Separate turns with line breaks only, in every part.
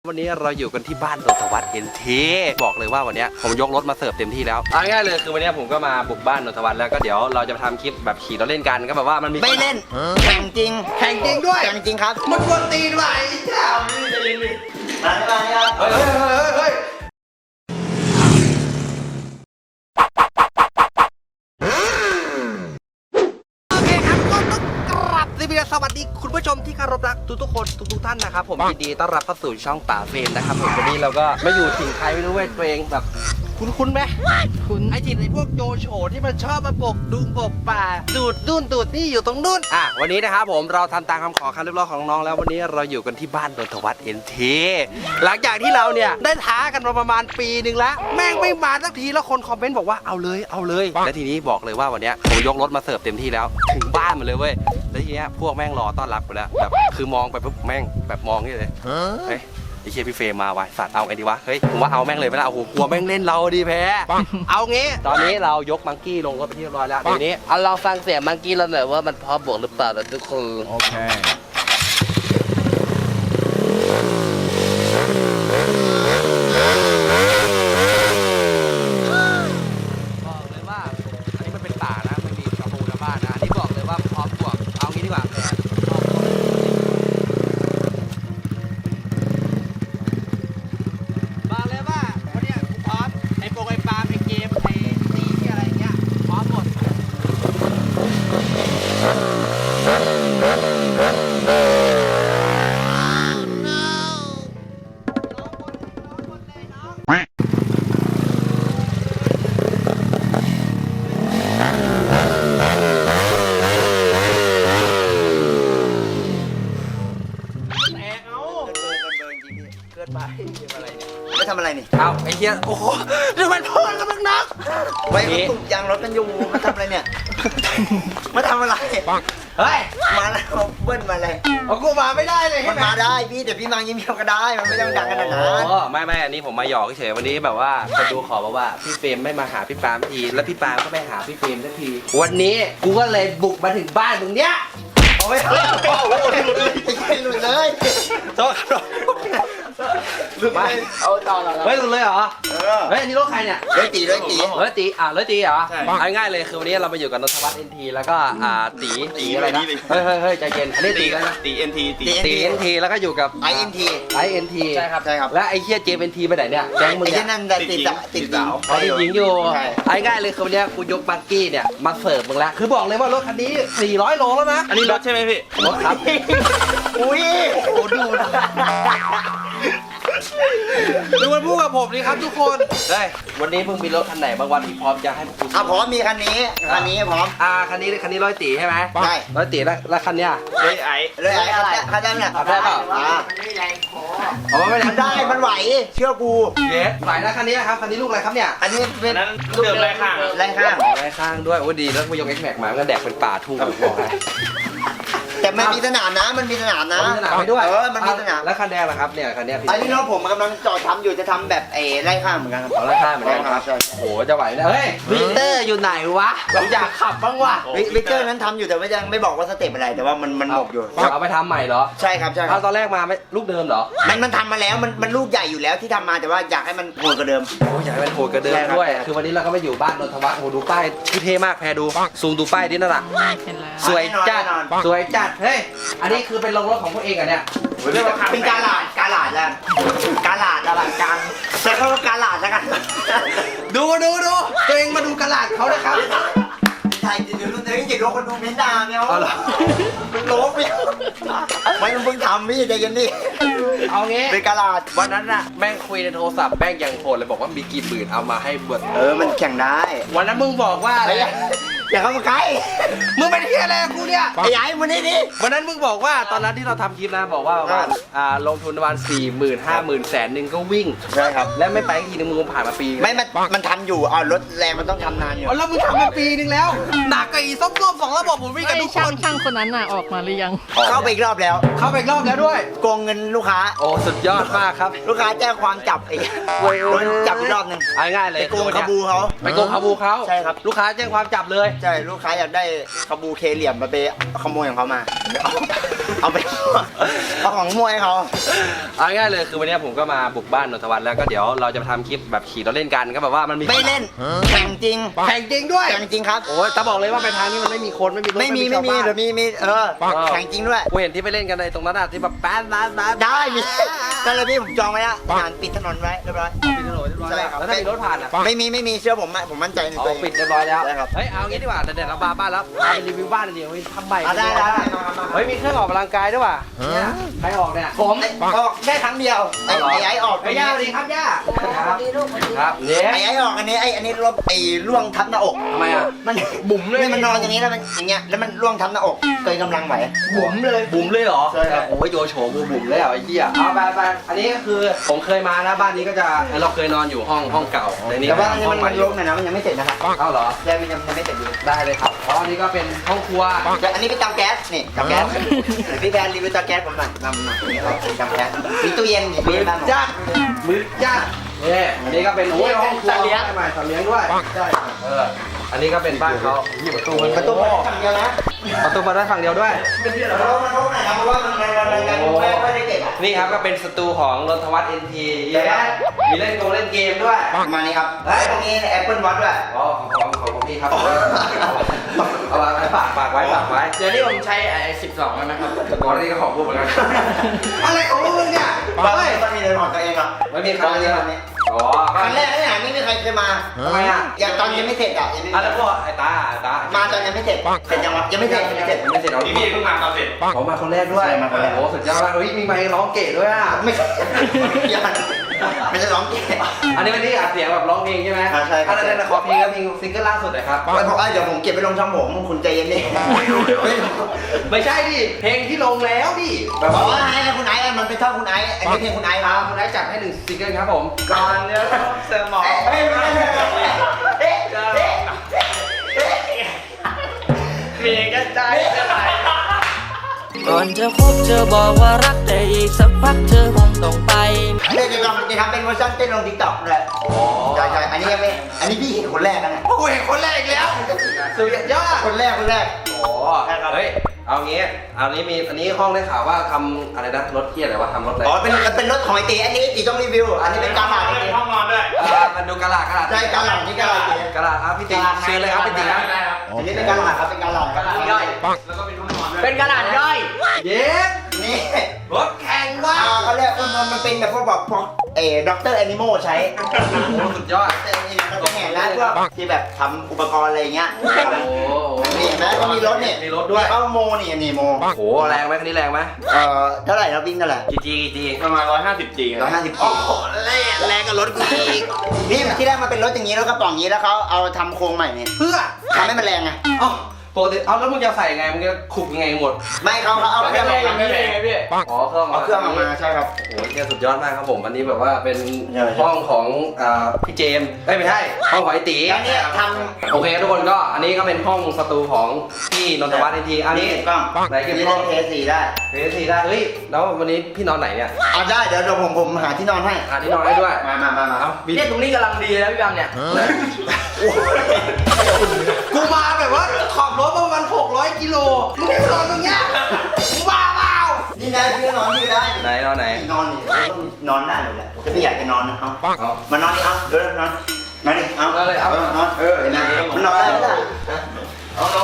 วันนี้เราอยู่กันที่บ้านนนทวัฒน์ NT บอกเลยว่าวันนี้ผมยกรถมาเสิร์ฟเต็มที่แล้วเอาง่ายเลยคือวันนี้ผมก็มาบุกบ้านนนทวัฒน์แล้วก็เดี๋ยวเราจะทำคลิปแบบขี่รถเล่นกันก็แบบว่ามันมี
ไม่เล่นแข่งจริง
แข่งจริงด้วย
แข่งจริงครับ
มันกวนตีนไหวเจ้าจะเล่นดิเฮ้ยสวัสดีคุณผู้ชมที่เคารพรักทุกคนทุกท่านนะครับผมยินดีต้อนรับเข้าสู่ช่องป่าเฟรมนะครับผมวันนี้เราก็ไม่อยู่ถิ่นใครไม่รู้เว้ยตัวเองแบบคุ้นไหมคุ้นไอถิ่นไอพวกโจโฉที่มันชอบมาปกดุงปกป่าดูดนู่นดูดนี่อยู่ตรงนู่นวันนี้นะครับผมเราทำตามคำขอคำเรียบร้อยของน้องแล้ววันนี้เราอยู่กันที่บ้านนนทวัฒน์ NT หลังจากที่เราเนี่ยได้ท้ากันมาประมาณปีหนึ่งแล้วแม่งไม่มาสักทีแล้วคนคอมเมนต์บอกว่าเอาเลยและทีนี้บอกเลยว่าวันนี้ผมยกรถมาเสิร์ฟเต็มที่แล้วถึงบ้านมาเลยเว้ยแล้วทีเนี้ยพวกแม่งรอต้อนรับกูแล้วแบบคือมองไปปุ๊บแม่งแบบมองนี่เลยเฮ้ยไอ้เชี่ยพี่เฟรมมาว่ะสัตว์เอาไงดีวะเฮ้ยผมว่าเอาแม่งเลยไม่ได้โอ้โหกลัวแม่งเล่นเราดีแพ้เอางี้ตอนนี้เรายกมังกี้ลงรถไปที่เรียบร้อยแล้วทีนี้เอาลองฟังเสียงมังกี้เราหน่อยว่ามันพร้อมบวกหรือเปล่านะทุกคนโอเคบอกเลยว่าอันนี้มันเป็นป่านะไม่มีกระโปรงกระบ้านนะอันนี้บอกเลยว่าพร้อมบวกเอางี้ดีกว่าแพ้บอกเลยว่าวันนี้กูพร้อมไอ้โปรไอ้ปลาไอ้เกมไอ้ตีที่อะไรเงี้ยพร้อมหมด
ไม่ทำอะไรนี่
เอาไอ้เหี้ยโอ้โหดูมันพูดกับมึงนัก
ไว้ตุกยางรถกันอยู่มาทำอะไรเนี่ยมาทำอะไร
เฮ้ย
มาแล้วเบิ้ลมาเลย
เอากูมาไม่ได้เลย
มันมาได้พี่แต่พี่มายิ้มๆก็ได้มันไม่ต้องดังขนาดนั้น
ไม่อันนี้ผมมาหยอกเฉยวันนี้แบบว่าคนดูขอบอกว่าพี่เฟรมไม่มาหาพี่ปาล์มทีแล้วพี่ปาล์มก็ไม่หาพี่เฟรมสักทีวันนี้กูก็เลยบุกมาถึงบ้านมึงเนี้ยเอาไว้
หลุดเลย
โทษครับไม่เอาต่อเฮ้ยหลุดเลยเหรอเฮ้ยอันนี้รถใครเนี่ย
เลยตี
เลยตีเหรอเอาง่ายเลยคือวันนี้เรามาอยู่กับนนทวัฒน์ NT แล้วก็ตีอะไรนะเฮ้ยใจเย็นอันนี้ตีอะไรนะ
ตี NT
ตี NT แล้วก็อยู่กับ
INT
ใช่ครับและไอ้เฮีย JMNT ไปไหนเนี่ยแก๊งมึง
ไอ้
เนี่ย
นั่นติดสาว
เขาติดหญิงอยู่เอาง่ายเลยคือวันนี้กูยกบักกี้เนี่ยมาเสิร์ฟมึงแล้วคือบอกเลยว่ารถคันนี้400โลแล้วนะ
อันนี้รถใช่ไหมพี่
รถครับ
อุ้ยโอ้ดูนะ
ดูมันพูดกับผมนี่ครับทุกคนเฮ้ยวันนี้มึงมีรถคันไหนบางวันที่พร้อมจะให้พวกกู
พร้อมมีคันนี้พร้อม
คันนี้ร้อยตีใช่ไหม
ใช่
ร้อยตีแล้วคันเนี้ย
เลยไอ้
เลยคันได้เนี่ย
ได้เปล่าเอาไม่ได้
ได้มันไหวเชื่อกู
เยสไหวนะคันนี้ครับคันนี้ลูกอะไรครับเนี่ย
อันนี้เป็น
นั้นเดิมไรข้าง
ไรข้าง
ไร้ข้างด้วยโอ้ดีแล้วกูยก X Max มาก็แดกเป็นป่าทุ่งบอกให้
แต่มันมีสนามนะมันมีสนามนะ
มีสนามไปด้วย
มันมีสนาม
แล้วคันแดงล่ะครับเนี่ยคันนี้
อันนี้น้องผมกำลังจอดทำอยู่จะทำแบบไล่ข้างเหมือนกันครับ
ไร้ข้างเหมือนกันครับโอ้โหจะไหวนะเฮ้ยวิกเตอร์อยู่ไหนวะผมอยากขับบ้างวะ
วิกเตอร์นั้นทำอยู่แต่ว่ายังไม่บอกว่าสเต็ปอะไรแต่ว่ามันหมกอยู่
เอาไปทำใหม่เหรอ
ใช่ครับ
ตอนแรกมาไม่ลูกเดิมเหรอ
มันทำมาแล้วมันลูกใหญ่อยู่แล้วที่ทำมาแต่ว่าอยากให้มันโหดกว่าเดิม
โอ้อยากให้มันโหดกว่าเดิมด้วยคือวันนี้เราก็มาอยู่บ้านนนทวัฒน์โอ้ดูป้ายเท่มากแพรดูซูมดูป้ายดินั่นแหละสวยจัดเฮ้ยอันนี้คือเป็นโรงรถของพวกเองอ่ะเนี่ย
เป็นกาลาดแล้วกาลาดกลางใช้คำว่ากาลาดแล้วกัน
ดูตัวเองมาดูกาลาดเขานะครับ
ใช่จะดูตัวเองจะโดนคนดูเม้นด่าเนี่ยมึงโลบไม่มึงเพิ่งทำพี่ใจเย็นดิ
เอางี้
เป็นกาลาด
วันนั้นน่ะแม่งคุยในโทรศัพท์แม่งยังโหดเลยบอกว่ามีกี่หมื่นเอามาให้เบิร์ด
มันแข่งได้
วันนั้นมึงบอกว่าอะไร
อย่าเข้ามาใกล้
มึงเป็นเฮียอะไรกูเนี่ย
ไอ้ยัยมึงนี่ดิ
วันนั้นมึงบอกว่าตอนนั้นที่เราทำคลิปนะบอกว่าประมาณลงทุนประมาณ40,000 50,000แสนหนึ่งก็วิ่ง
ใช่ครับ
และไม่ไปทีนึงมึงผ่านมาปี
ไม่มันทำอยู่รถแรงมันต้องทำนานอยู่
แล้วมึงทำมาปีนึงแล้วหนักกว่าอีส้ม2ระบบผมวิ่งกันทุกคน
ช่างคนนั้นน่ะออกมาหรือยัง
เข้าไปอีกรอบแล้ว
ด้วย
โกงเงินลูกค้า
โอ้สุดยอดมากครับ
ลูกค้าแจ้งความจับไอ้จับอีกรอบนึง
ง่ายเลย
ไปโกงคาบูเขา
ใช่ครับลูกค้าแจ้งความจับเลย
ใช่ลูกค้าอยากได้คาบูเคเหลี่ยมมาไปขโมยของเขามาเอาไปเอาของขโมยเขา
เอาง่ายๆเลยคือวันนี้ผมก็มาบุกบ้านนนทวัฒน์แล้วก็เดี๋ยวเราจะมาทำคลิปแบบขี่รถเล่นกันก็แบบว่ามันมี
ไม่เล่นแข่งจริง
แข่งจริงด้วย
แข่งจริงครับ
โอ้ยแต่บอกเลยว่าไปทางนี้มันไม่มีคนไม่มีรถ
ไม่มี
ชาวบ้าน
เดี๋ยวมีแข่งจริงด้วย
กูเห็นที่ไปเล่นกันในตรงนั้นอะที่แบบแป๊ด
ได้มีนั่นเลยพี่ผมจองไว้แล้วงานปิดถนนไว้เรียบร้อย
ปิดถนนเรียบร้อย
ใช่ครับ
แล้วถ้ามีรถผ่านอะ
ไม่มีเชื่อผมมั่นใจใน
อ๋
ตัว
อ
เอง
ปิดเรียบร้อยแล้ว
ใช่ครับ
เฮ้ยเอางี้ดีกว่าเดี๋ยวเราบ้านแล้วพาไปรีวิวบ้านเลยเดี๋ยวเฮ้ยทำใบ
ได้มา
เฮ้ยมีเครื่องออกกำลังกายด้วยว่ะเนี่ยใครออกเนี่ย
ผมออกได้ครั้งเดียวไอ้ออก
ไอ้ย่าสวัสดีครับย่าครับครับเนี่ย
ไอ้ออกอันนี้ลบล่วงทับหน้าอก
ทำไมอ่ะ
มันบุ๋มเลยมันนอนอย่างนี้แล้วมันอย่างเงี้ยแล้วมันล่วงทับหน้าอกเกินกำลังไหวบุ๋มเลย
บุ๋มเลยเหรอ
ใช่ครับ
โอ้ยโยโฉบูบุ๋มเลยเหรอไอ้เหี้ยเอาไปอันนี้ก็คือผมเคยมานะบ้านนี้ก็จะเราเคยนอนอยู่ห้องเก่าแต่นี่
แต่ว่าอันนี้
ห้
มั
อง
น
ใหม่
ลงหน่อยนะมันยังไม่เสร็จนะครับ
เอ้าเหรอ
ยังไม่เสร็จอยู่
ได้เลยครับเพราะอันนี้ก็เป็นห้องครัว
แต่อันนี้เป็นเตาแก๊สนี่เตาแก๊สพี่แพนรีวิวเตาแก๊สผมหน่อยนำนี่ครับเตาแก๊สมีตู้เย็นมี
มือ
บ้านผม
จ้ามือจ้าเนี่ยอันนี้ก็เป็นโอ้ยห้องครัว
สัตว์เลี้ยง
ใหม่สัตว์เลี้ยงด้วยใช่อันนี้ก็เป็นบ้านเขาประตู
ประตูฝั่งเดียวนะ
ประตูมาได้ฝั่งเดียวด้วย
มันโล่งหน่อยนะเพราะว่ามันไม่ได้เก็บ
นี่ครับก็เป็นสตูของนนทวัฒน์ NT มีเล่นเกมด้วย
ประมาณนี้ครับแล้วตรงนี้ Apple Watch ด้วย
อ๋อของพี่ครับเอาไว้ฝากไว้
เดี๋ยวนี้ผมใช้ไอ้12แล้วนะครับ
ก่อนนี้ก็ของพูดเหมือนกันอะไรของมึงเนี่ย
มันมีเรือนของตัวเองครับ
ไม่มีครั้งนี้อ๋อ
ครั้งแรกไม่หาไม่มีใครเคยมา
ทำไมอ่ะ
อย่างตอนยังไม่เสร็จอ่ะ
แล้วพวกไอ้ตา
มาตอนยังไม่เสร็จเสร็จยังวะยังไม่เสร็จ
ไม่เสร็จเอา
พี่เพิ่งมาตอนเสร็จ
เขามาคนแรกด้วย
ใช่มาคนแรก
โอ้สุดยอดมากเฮ้ยมีไมค์ร้องเก๋ด้วยอ่ะ
ไม่ใช่ไม่ใช่ร้องเก๋
อันนี้เป็นที่อัดเสียงแบบร้องเพลงใช่ไหม
ใช่ครับ
อันนั้นขอเพลงแล้วเพลงซิงเกิลล่าสุดหน่อยครับ
ไม่บอกว่าเดี๋ยวผมเก็บไปลงช่องผมคุณใจเย็นดิ
ไม่ใช่ดิเพลงที่ลงแล้วดิแบบ
บอก
ว่า
ว่าให้คุณไอซ์มันเป็นช่องคุณไอซ์อันนี้เพลงคุณไอซ์ครับ
คุณได้จัดให้หนึ่งซิงเกิลครับผม
ก่อนเนื้อเสมอง มีกระจายจะไหล
ก่อนจะคบเธอบอกว่ารักแต่อีกสักพักเธอคงต้องไป
เดี๋ยวจะทำเป็นเวอร์ชันเต้นลงทิกตอกเลยใช่อันนี้ยังไม่อันนี้พี่เห็นคนแรกนะ
โอ้ยคนแรกอีกแล้วสุดยอด
คนแรก
โอ้เฮ้ยเอางี้เอานี้มีอันนี้ห้องได้ข่าวว่าทำอะไรนะรถเที่ยอะไรวะทำรถอะไร
อ๋อเป็นรถของไอตีอันนี้ตีต้องรีวิวอันนี้เป็นการหลัง
ห้องนอนด้วย
มันดูกระดาษ
ใช่การหลังนี่การหลัง
กระดาษครับพี่ติ๊กเชิญเลยครับพี่ติ๊กครับ
อันนี้เป็นการหลังครับเป็นการหลัง
ย่อยแล้วก็เป็นห้องนอนด้วย
เป็นกระดาษย่อย
เย้
นี่
รถแข่งว่ะ
เขาเรียกมันเป็นแบบพวกแบบด็อกเตอร์แอนิมอลใช้
สุดยอด
เราจะเห็นนะพวกที่แบบทำอุปกรณ์อะไรเงี้ย
โอ้
นี่เห็นไหมก็มีรถเนี่ย
มีรถด้วย
เขาโมนี่โม
โหแรงไหมคันนี้แรงไหม
เท่าไหร่เราวิ่งเท่าไหร่
จี
ประมาณ150 G
150โอ้โหแรงกับรถกูอีกนี่ที่แรกมันเป็นรถอย่างนี้แล้วกระป๋องอย่างนี้แล้วเขาเอาทำโครงใหม่เนี่ย
เพื่อ
ทำให้มันแรงไง
เอ้าปกติเอาแล้วมึงจะใส่ไงมึงจะขุกยังไงหมด
ไม่เขาเอาเครื่องออกมา
ไม่แรงไงพี่
อ๋อเครื่อง
เอาเครื่องออกมาใช่ครับ
โอ้ยเนี่ยสุดยอดมากครับผมอันนี้แบบว่าเป็น
ใช่
ห้องของพี่เจมส์ไม่ใช่ห้องของไอตี
แล้วเนี่ยท
โอเคทุกคนก็อันนี้ก็เป็นห้องสตูของพี่นนทวัฒน์ทีอัน
ำ
นี้
เก็บกล้อง
ไหนเก็บ
นี่
กล้
เล่
อง
นเพย์สี่ได้
เฮ้ยทีได้เฮ้ยแล้ววันนี้พี่นอนไหนเนี่ย
เอาได้เดี๋ยวผมหาที่นอนให้
หาที่นอนให้ด้วย
มา
เอามี
เนี่ยตรงนี้กำลังดีนะพี่บังเนี่ย
กูมาแบบว่าขับรถประมาณ600 กิโลมึงไม่นอนตรงเนี้ยมึงบ้าเปล่า
นี่ได้ที่นอนที่ได้
ไหนนอนไหน
นอนนี่นอนได้เลยแหละจะไม่อยากจะนอนนะเอา
เอา
มานอนนี่เอาเดี๋ยวนอนมาดิเอา
เอาเลยเอา
นอนเห็นไหมมันนอนได้ไหมล่ะ
เอาลง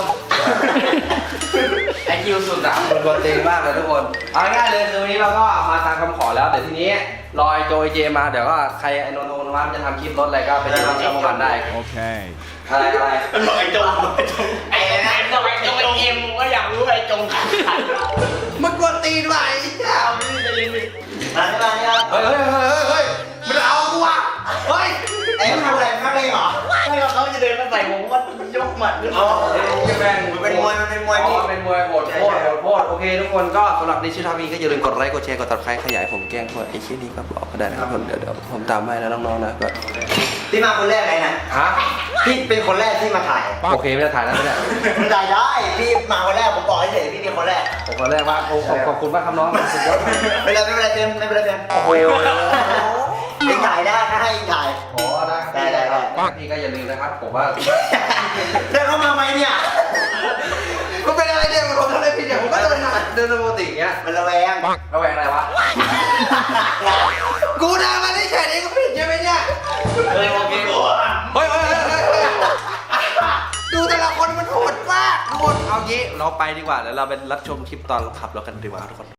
ไอคิวสุดอะมันกวนตีนมากเลยทุกคนเอาง่ายๆเลยคือวันนี้เราก็มาตามคำขอแล้วเดี๋ยวทีนี้รอไอโจไอเจมาเดี๋ยวก็ใครไอนนท์นวัฒน์จะทำคลิปรถอะไรก็ไปดูที่ช่องมันได้
Okay.
อะไร
บอกไอ้จงไอ้นะบอกไอ้จงไอ้เอ็มก็อยากรู้ไอ้จงขัน
มันกวนตีนว่ะไอ้เหี้ย
มานี่ครับ
เฮ้ยมันเอากูว่ะเฮ้ย
ไอ้ทำอะไรทำอะไรเหรอ
ไม่ว่าเขาจะเดินมาใส่ผมก็ยกหมัดขึ้น
อ๋อ
แม่ง
มันเป็นมวยพี่
เป็นมวยโหดโคตรโอเคทุกคนก็สำหรับดิจิทัลวีก็อย่าลืมกดไลค์กดแชร์กดติดตามขยายผมแกล้งพวกไอ้ชิ้นนี้ก็บอกก็ได้นะครับผมเดี๋ยวผมตามให้นะน้องๆนะแบบ
พี่มาคนแรกเลยนะ
ฮะ
พี่เป็นคนแรกที่มาถ่าย
โอเคไม่ได้ถ่ายแล้วไม่ได้
มันถ่ายได้พี่มาคนแรกผมบอกให้เฉยพี่เป็นคนแรก
ผมคนแรกว่าขอบคุณมากครับน้องสุดยอด
ไม่เป็นไรเต็มไม่เป็นไรเต็ม
โอ้โห
เองถ่ายได้ถ้าให้เองถ่าย
โอ้ได้
ได้
พี่ก็อย่าลืมนะครับผมว่า
เดินเข้ามาไหมเนี่ย
มันเป็นอะไรเนี่ยผมทำอะไรผิดเนี่ยผมก็เดินปกติอย่างเงี้ย
มันระแวง
ระแวงอะไรวะ กูเดินมาได้เฉยนี่ก็ผิดใช่ไหมเนี่ย
เฮ้ยโอเค
เฮ้ยดูแต่ละคนมันโหดมากทุกคนเอางี้เราไปดีกว่าแล้วเราไปรับชมคลิปตอนเราขับรถกันดีกว่าทุกคน